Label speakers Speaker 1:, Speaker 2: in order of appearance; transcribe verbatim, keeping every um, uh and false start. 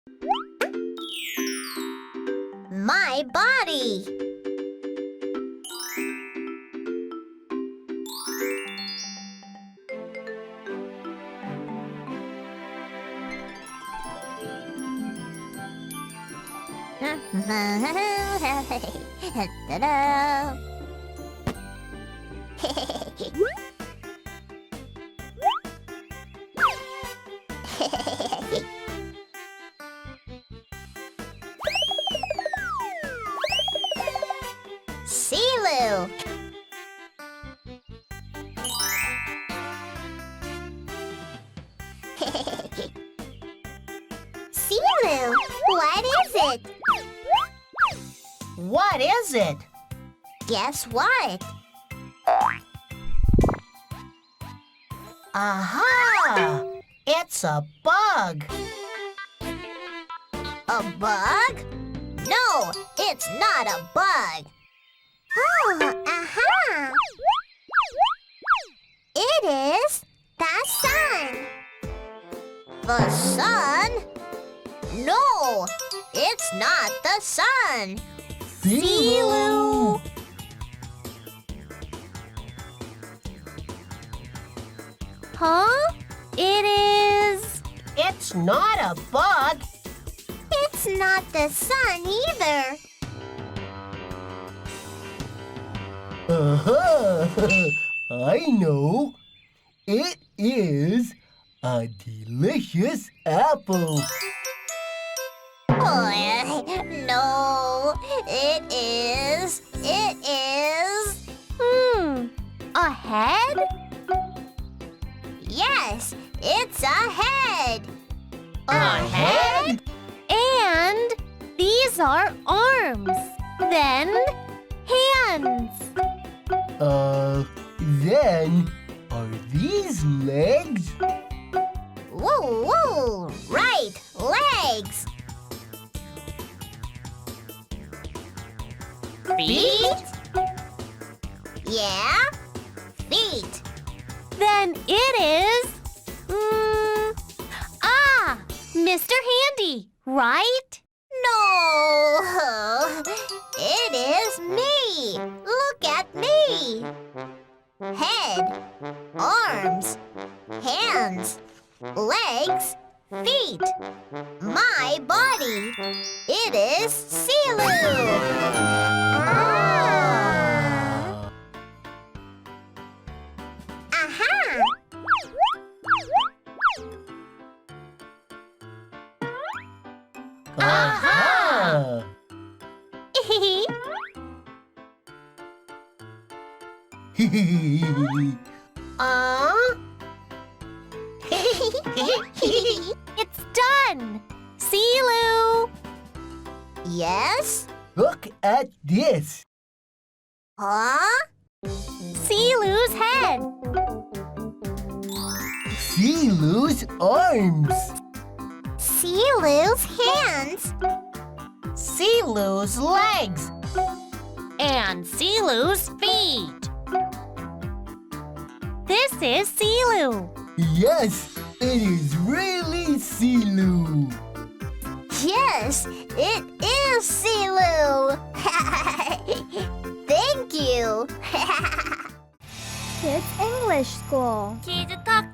Speaker 1: My body. Ta-da. Silu. Silu, what is it?
Speaker 2: What is it?
Speaker 1: Guess what?
Speaker 2: Aha! It's a bug.
Speaker 1: A bug? No, it's not a bug. Oh, aha! It is the sun. The sun? No, it's not the sun.
Speaker 2: Silu.
Speaker 1: Huh? It is...
Speaker 2: It's not a bug.
Speaker 1: It's not the sun either.
Speaker 3: Uh-huh. I know. It is a delicious apple.
Speaker 1: Oh, no, it is. It is. Hmm. A head? Yes, it's a head.
Speaker 2: A head?
Speaker 4: And these are arms. Then hands.
Speaker 3: Uh, then are these legs?
Speaker 1: Woo, woo. Right, legs.
Speaker 2: Feet?
Speaker 1: Yeah, feet.
Speaker 4: Then it is. Mm, ah, Mister Handy, right?
Speaker 1: No, it is me. Look at me. Head, arms, hands, legs, feet. My body. It is Silu. Ah. Aha!
Speaker 3: Aha!
Speaker 2: Uh?
Speaker 4: It's done. Silu.
Speaker 1: Yes?
Speaker 3: Look at this.
Speaker 1: Huh?
Speaker 4: Silu's head.
Speaker 3: Silu's arms.
Speaker 1: Silu's hands.
Speaker 2: Silu's legs.
Speaker 4: And Silu's feet. This is Silu.
Speaker 3: Yes, it is really Silu.
Speaker 1: Yes, it is Silu. Thank you.
Speaker 5: Kids English School.
Speaker 4: Kids Talk